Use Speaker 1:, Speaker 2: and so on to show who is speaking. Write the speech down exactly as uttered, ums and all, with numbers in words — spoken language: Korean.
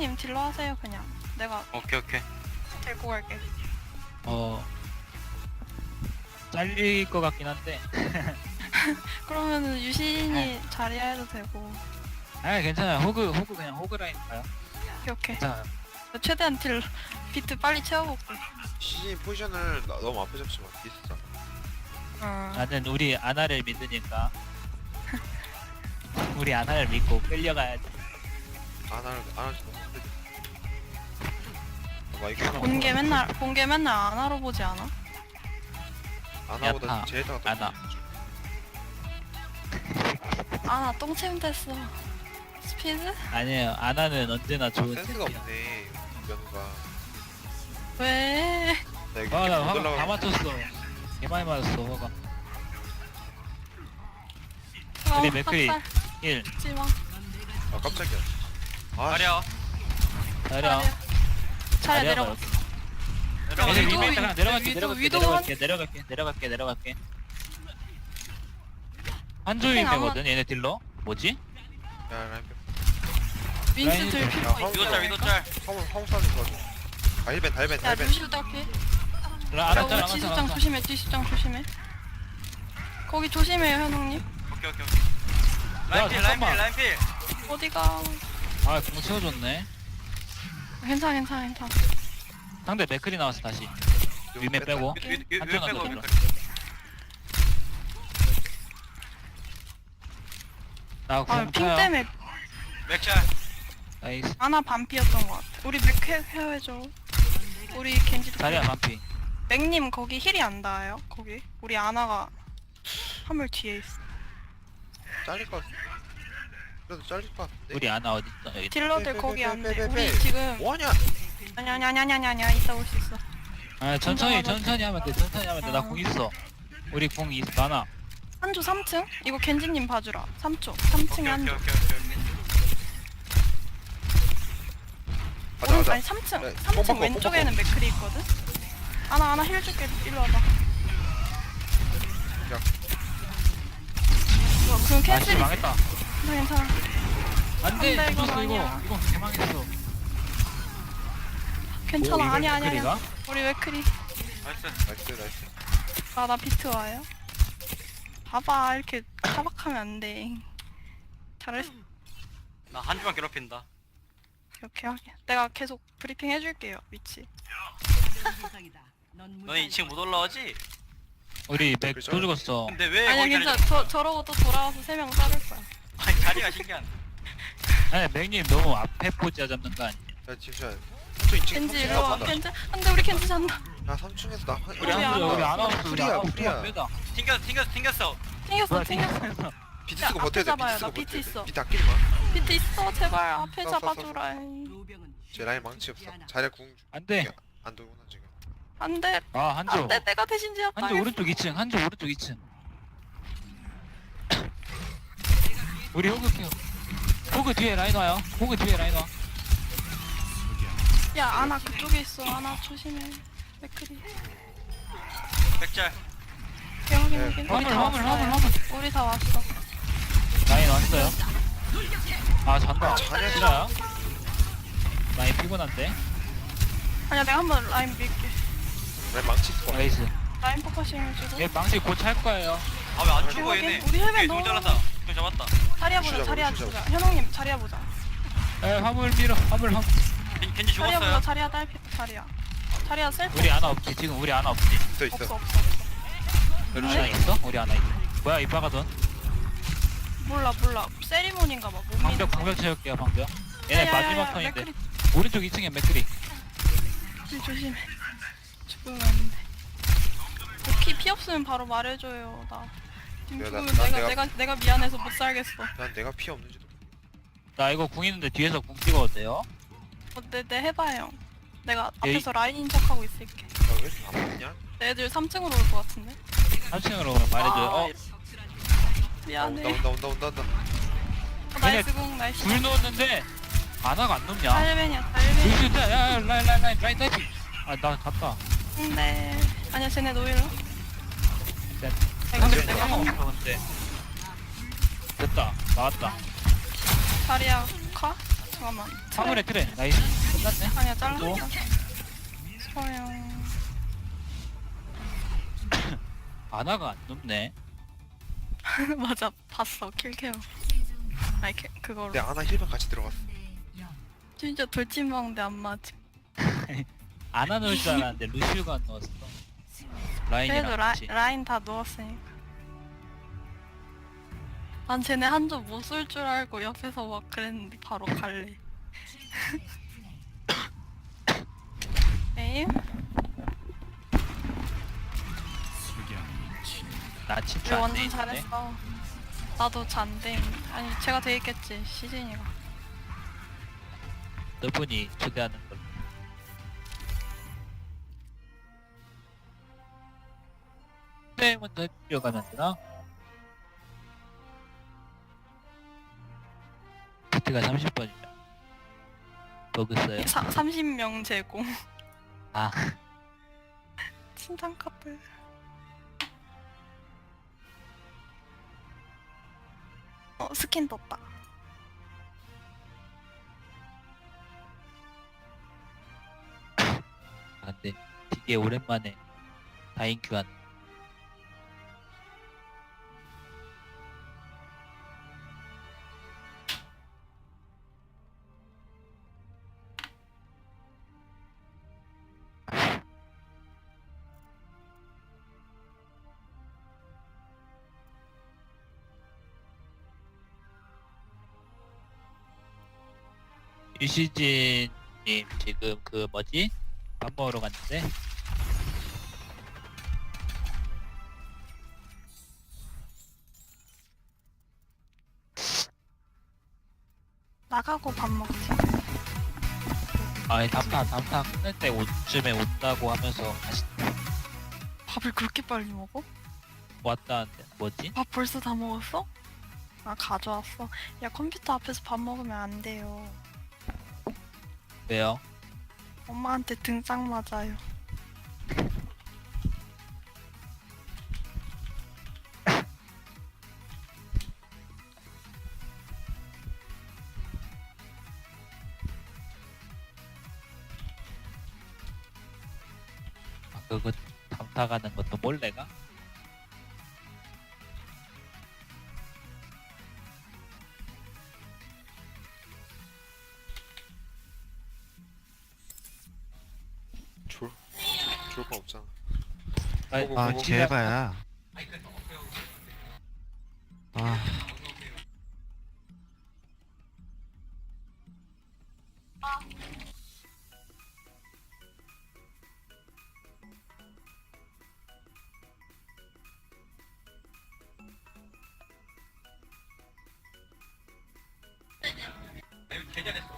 Speaker 1: 현웅님 딜러 하세요 그냥. 내가
Speaker 2: 오케이 오케이.
Speaker 1: 데리고 갈게.
Speaker 3: 어 잘릴 것 같긴 한데.
Speaker 1: 그러면은 유신이 자리야 해도 되고.
Speaker 3: 아 괜찮아요. 호그 호그 그냥 호그 라인 가요.
Speaker 1: 오케이 오케이.
Speaker 3: 괜찮아요.
Speaker 1: 나 최대한 딜 비트 빨리 채워볼게.
Speaker 4: 시즌 포지션을 나, 너무 앞에 잡지 마. 디스잖아.
Speaker 1: 어.
Speaker 3: 나는 우리 아나를 믿으니까. 우리 아나를 믿고 끌려가야지.
Speaker 4: 안 할, 안 할지 너무 힘들지. 아, 이거
Speaker 1: 본게 맨날 본게 맨날 안 하러 보지 않아?
Speaker 4: 아나보다
Speaker 3: 야타,
Speaker 4: 제이타가 더
Speaker 3: 아나.
Speaker 1: 아나 똥침 됐어. 스피드?
Speaker 3: 아니에요. 아나는 언제나 좋은
Speaker 4: 센스가
Speaker 3: 챔피언.
Speaker 4: 없네. 면우가.
Speaker 1: 왜?
Speaker 4: 나 이거
Speaker 3: 아나
Speaker 4: 못
Speaker 3: 화가 다
Speaker 4: 올라가.
Speaker 3: 맞췄어. 개 많이 맞았어 화가.
Speaker 1: 어,
Speaker 3: 근데 맥크리
Speaker 1: 빡살.
Speaker 3: 일.
Speaker 1: 찍지마.
Speaker 4: 아 깜짝이야. 아 씨.
Speaker 2: 가려.
Speaker 3: 자려.
Speaker 1: 차례 내려가.
Speaker 2: 내려가.
Speaker 3: 얘네
Speaker 1: 위도,
Speaker 3: 위메이트 그냥 내려갈게
Speaker 1: 위도,
Speaker 3: 내려갈게
Speaker 1: 위도
Speaker 3: 내려갈게 내려갈게 내려갈게 내려갈게. 한조임이거든 얘네 딜러. 뭐지?
Speaker 4: 야 라인 백.
Speaker 1: 윈스
Speaker 3: 라인-
Speaker 1: 들
Speaker 4: 야,
Speaker 1: 필요가
Speaker 4: 화물
Speaker 2: 위도
Speaker 1: 있어.
Speaker 2: 짤 위도 짤.
Speaker 4: 화물 화물 싸는 거 가지고. 달벤 달벤
Speaker 1: 야
Speaker 4: 달벤.
Speaker 1: 루시우 딱히.
Speaker 3: 라
Speaker 1: 야
Speaker 3: 알았잖아
Speaker 1: 우리
Speaker 3: 알았잖아
Speaker 1: 지수장
Speaker 3: 알았잖아.
Speaker 1: 조심해. 지수장 조심해. 거기 조심해요 현웅님.
Speaker 2: 오케이 오케이 오케이. 라인 필 라인 필
Speaker 3: 잠깐만.
Speaker 2: 라인 필.
Speaker 1: 어디가?
Speaker 3: 아공 채워줬네.
Speaker 1: 괜찮아 괜찮아 괜찮아.
Speaker 3: 상대 맥클이 나왔어 다시. 위메 빼고.
Speaker 2: 위- 위- 위- 위
Speaker 3: 한쪽은
Speaker 2: 빼고
Speaker 3: 안
Speaker 2: 위-
Speaker 3: 나 공
Speaker 1: 아핑
Speaker 3: 차요.
Speaker 1: 때문에
Speaker 2: 맥짤.
Speaker 3: 나이스.
Speaker 1: 아나 반피였던 것 같아. 우리 맥 헤- 헤어져. 우리 겐지도.
Speaker 3: 자리야 반피.
Speaker 1: 맥님 거기 힐이 안 닿아요? 거기? 우리 아나가 화물 뒤에 있어.
Speaker 4: 잘릴 것 같아. 그래도 잘릴 것 같은데.
Speaker 3: 우리 아나 어디 있어 여기.
Speaker 1: 딜러들
Speaker 4: 빼, 빼,
Speaker 1: 거기
Speaker 4: 빼,
Speaker 1: 안
Speaker 4: 빼,
Speaker 1: 돼.
Speaker 4: 빼,
Speaker 1: 우리
Speaker 4: 빼.
Speaker 1: 지금
Speaker 4: 뭐하냐?
Speaker 1: 아니야 아니야 아니야 아니야 아니야 이따 올 수 있어.
Speaker 3: 아 천천히
Speaker 1: 혼자
Speaker 3: 천천히 하면 돼 천천히 하면 돼. 나 공 있어. 우리 공 있 많아.
Speaker 1: 한조 삼 층? 이거 겐지님 봐주라. 삼 쪽. 삼 층에
Speaker 2: 오케이 오케이
Speaker 1: 한조.
Speaker 2: 오케이 오케이 오케이.
Speaker 4: 가자
Speaker 1: 오른
Speaker 4: 가자.
Speaker 1: 아니 삼 층.
Speaker 4: 네,
Speaker 1: 삼
Speaker 4: 뽕
Speaker 1: 층
Speaker 4: 바꿔,
Speaker 1: 왼쪽에는 맥크리 있거든. 아나 아나 힐 줄게. 일로 와봐.
Speaker 4: 야.
Speaker 1: 이거 그럼
Speaker 3: 아씨
Speaker 1: 캔슬이
Speaker 3: 망했다.
Speaker 1: 괜찮아 괜찮아.
Speaker 3: 안돼
Speaker 1: 안 돼, 이건
Speaker 3: 죽었어 이거.
Speaker 1: 아니야.
Speaker 3: 이거 개망했어.
Speaker 1: 괜찮아
Speaker 3: 오,
Speaker 1: 아니야
Speaker 3: 이걸
Speaker 1: 아니야 아니야.
Speaker 3: 맥클리가?
Speaker 1: 우리 맥크리.
Speaker 2: 나이스.
Speaker 4: 나이스 나이스.
Speaker 1: 아 나 비트 와요. 봐봐 이렇게 타박하면 안 돼. 잘했어.
Speaker 2: 나 한 주만 괴롭힌다.
Speaker 1: 이렇게 하게. 내가 계속 브리핑 해줄게요 위치.
Speaker 2: 너네 이 층 못 올라오지?
Speaker 3: 우리 맥 또 죽었어.
Speaker 2: 근데 왜
Speaker 1: 아니야
Speaker 2: 거기
Speaker 1: 괜찮아.
Speaker 2: 자리
Speaker 1: 저 저러고 또 돌아와서 세 명 자를 거야.
Speaker 2: 아니 자리가 신기한.
Speaker 3: 아니 맥님 너무 앞에 포지아 잡는 거 아니야?
Speaker 4: 야 잠시만. 저 이 층
Speaker 1: 겐지
Speaker 4: 삼 층
Speaker 1: 일로 와.
Speaker 4: 나간다.
Speaker 1: 겐지 안돼 우리 겐지 잔다.
Speaker 4: 야 삼 층에서 나.
Speaker 3: 우리
Speaker 1: 우리
Speaker 3: 안
Speaker 1: 안
Speaker 3: 우리
Speaker 1: 와.
Speaker 3: 우리 안 와서 우리
Speaker 4: 프리야,
Speaker 3: 안 와서
Speaker 4: 프리야.
Speaker 3: 빼다.
Speaker 2: 튕겼어 튕겼어 튕겼어.
Speaker 1: 튕겼어
Speaker 3: 뭐야
Speaker 1: 튕겼어.
Speaker 3: 튕겼어.
Speaker 4: 비트
Speaker 1: 야,
Speaker 4: 쓰고
Speaker 1: 앞에
Speaker 4: 버텨야 돼.
Speaker 1: 잡아요.
Speaker 4: 비트 쓰고
Speaker 1: 나 비트
Speaker 4: 버텨야 돼.
Speaker 1: 있어.
Speaker 4: 비트 아끼지 마.
Speaker 1: 비트 있어 제발 앞에
Speaker 4: 써, 써, 써.
Speaker 1: 잡아주라.
Speaker 4: 제 라인 망치 없어. 자리야 궁.
Speaker 3: 안돼.
Speaker 4: 안 돌구나 지금.
Speaker 1: 안돼
Speaker 3: 아 한조.
Speaker 1: 안돼 내가 대신 지었다.
Speaker 3: 한조 오른쪽 이 층. 한조 오른쪽 이 층. 우리 호그 케어. 호그 뒤에 라인 와요. 호그 뒤에 라인 와.
Speaker 1: 야 아나 그쪽에 있어. 아나 조심해. 맥크리.
Speaker 2: 맥짤.
Speaker 1: 오케이 확인
Speaker 4: 네.
Speaker 1: 확인. 우리
Speaker 3: 화물
Speaker 1: 다
Speaker 3: 화물 화물
Speaker 1: 왔어요.
Speaker 3: 화물.
Speaker 1: 우리 다 왔어.
Speaker 3: 라인 왔어요. 아 잔다.
Speaker 4: 자네.
Speaker 3: 싫어요? 많이 피곤한데.
Speaker 1: 아니야 내가 한번 라인 밀게.
Speaker 4: 라인 망치 있어.
Speaker 3: 나이스.
Speaker 1: 라인 포커싱 해주고.
Speaker 3: 얘 망치 곧 찰 거예요.
Speaker 2: 아 왜 안
Speaker 1: 오케이,
Speaker 2: 죽어
Speaker 1: 확인.
Speaker 2: 얘네.
Speaker 1: 우리 헬멧
Speaker 2: 오케이,
Speaker 1: 너무-
Speaker 2: 좀 잘랐다. 좀 잡았다.
Speaker 1: 자리야 보자
Speaker 4: 루시자,
Speaker 1: 자리야
Speaker 4: 루시자.
Speaker 1: 보자. 현웅님 자리야 보자.
Speaker 3: 에 화물 밀어. 화물 화물.
Speaker 2: 겐- 겐지
Speaker 1: 자리야 보자.
Speaker 2: 죽었어요.
Speaker 1: 자리야 딸피 자리야. 자리야 셀프.
Speaker 3: 우리 아나 없지. 지금 우리 아나 없지.
Speaker 4: 있어 있어.
Speaker 1: 없어 없어 없어.
Speaker 3: 아나 있어? 우리 아나 있어. 뭐야 이빠가던.
Speaker 1: 몰라 몰라. 세리머니인가 봐. 못 믿는
Speaker 3: 방벽
Speaker 1: 거.
Speaker 3: 방벽 채울게요 방벽. 얘네
Speaker 1: 야야야야,
Speaker 3: 마지막 턴인데.
Speaker 1: 맥크리
Speaker 3: 오른쪽 이 층에 맥크리.
Speaker 1: 조심해. 죽으면 안 돼. 피, 피 없으면 바로 말해줘요. 나 지금
Speaker 4: 야, 나-
Speaker 1: 죽으면
Speaker 4: 나
Speaker 1: 내가,
Speaker 4: 내가-
Speaker 1: 내가 내가 미안해서 못 살겠어.
Speaker 4: 난 내가 피 없는지도.
Speaker 3: 나 이거 궁 있는데 뒤에서 궁 찍어도 돼요?
Speaker 1: 어때? 네 해봐요. 내가
Speaker 3: 에이.
Speaker 1: 앞에서 라인인 척하고 있을게.
Speaker 4: 나왜안 맞냐?
Speaker 1: 애들 삼 층으로 올 것 같은데.
Speaker 3: 삼 층으로 오면 말해줘요.
Speaker 1: 아,
Speaker 3: 어?
Speaker 4: 온다
Speaker 1: 미안해.
Speaker 4: 온다 온다 온다 온다.
Speaker 1: 어, 나이스 공 나이스.
Speaker 3: 불 넣었는데 아나가 안 넣냐?
Speaker 1: 달벤이야 달벤.
Speaker 3: 불 진짜 야야 라인 라인 라인 라인 타이핑. 아나 갔다.
Speaker 1: 근데 아니야 쟤네 노일로.
Speaker 3: 네.
Speaker 1: 내가
Speaker 3: 상대
Speaker 1: 내가
Speaker 3: 상황 없어 근데. 됐다 나왔다.
Speaker 1: 자리야 카? 잠깐만.
Speaker 3: 화물에 트레. 나이스. 끝났네.
Speaker 1: 아니야,
Speaker 3: 또?
Speaker 1: 잘랐어. 소영.
Speaker 3: 아나가 안 높네.
Speaker 1: 맞아, 봤어, 킬케어. 아니, 캐, 그거로.
Speaker 4: 내 아나 힐백 같이 들어갔어.
Speaker 1: 진짜 돌진방대 안 맞지.
Speaker 3: 아나 넣을 줄 알았는데 루시우가 안 넣었어. 라인이랑
Speaker 1: 그래도 라,
Speaker 3: 같이.
Speaker 1: 라인 다 누웠으니까. 난 쟤네 한조 못 쏠 줄 알고 옆에서 막 그랬는데 바로 갈래. 에임?
Speaker 3: 나 친추
Speaker 1: 우리
Speaker 3: 안
Speaker 1: 완전
Speaker 3: 돼 있는데.
Speaker 1: 잘했어. 나도 잔데. 아니, 제가 돼 있겠지, 시즌이가.
Speaker 3: 너분이 초대하는 걸로. 네, 먼저 뛰어가면 되나? 비트가 삼십 번이야. 버그 써요?
Speaker 1: 삼십 명 제공.
Speaker 3: 아,
Speaker 1: 친장 커플. 어, 스킨 떴다.
Speaker 3: 안 돼. 되게 오랜만에 다인 교환. 유시진님 지금 그 뭐지? 밥 먹으러 갔는데
Speaker 1: 나가고 밥 먹지.
Speaker 3: 아니 담타 담타 끝날 때 오쯤에 온다고 하면서 다시
Speaker 1: 밥을 그렇게 빨리 먹어?
Speaker 3: 왔다는데 뭐지?
Speaker 1: 밥 벌써 다 먹었어? 아, 가져왔어. 야, 컴퓨터 앞에서 밥 먹으면 안 돼요.
Speaker 3: 왜요?
Speaker 1: 엄마한테 등짝 맞아요.
Speaker 3: 아, 그거 담타 가는 것도 몰래가?
Speaker 4: 졸, 졸 거 없잖아.
Speaker 3: 아니,
Speaker 4: 보고,
Speaker 5: 아
Speaker 4: 보고.
Speaker 5: 제발야. 아
Speaker 2: 개잘했어.